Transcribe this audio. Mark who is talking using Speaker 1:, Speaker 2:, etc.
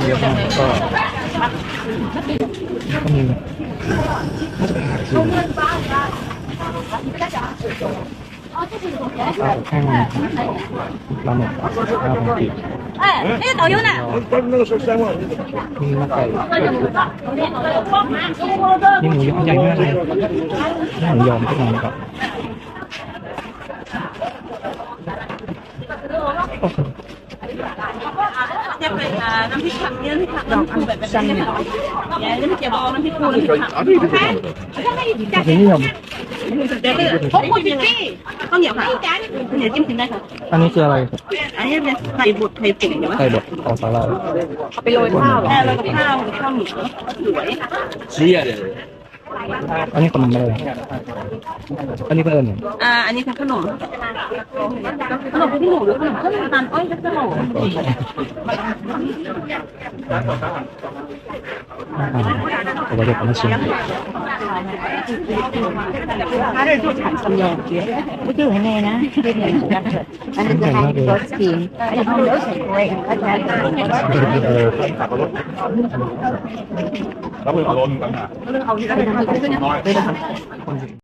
Speaker 1: เยอะมากก็มีน่าจะเป็นผักชีแห้งปลาหมึกปลาหมึก
Speaker 2: 哎，那个导游呢？
Speaker 1: มีมะไก่มีหมูยอใหญ่มากเลยหมูยอขึ้นมาครับ
Speaker 2: จะเป็นน้ำพริกผักเนี่ยน้ำพริกผักน้ำพริกแบบนี้ค่ะเนี่ยน้ำพริกเจียวบองน้ำพริกปูน้ำพริกผัก
Speaker 1: นี่นิยม
Speaker 2: เดี๋ยวพกคนยังไงข้าวเหนียวค่ะเหนียวจิ้มกินได้ค่ะ
Speaker 1: อันนี้คืออะไร
Speaker 2: อันนี้เป็นไข่บดไข่ตุ๋นเดี๋ยว
Speaker 1: ไข่บดของสาหร่าย
Speaker 2: เอาไปโรยข้าวโรยกับข้าวข้าวเหนียวสวย
Speaker 3: เชี่ยเลย
Speaker 1: อันนี้ขนมอะไรอันนี้เพิ่ม
Speaker 2: อันนี้คือขนมพี่หนูหรือขนมข้าวตาลอ้อยขนม
Speaker 1: 我就把它切。
Speaker 4: 它这就产生了，不就很那呢？อันนี้จะให้รสกินอันนี้เขารสใส่กล้วยเขาจะ
Speaker 3: แล้วมือเอาลงกันอ่ะน้อย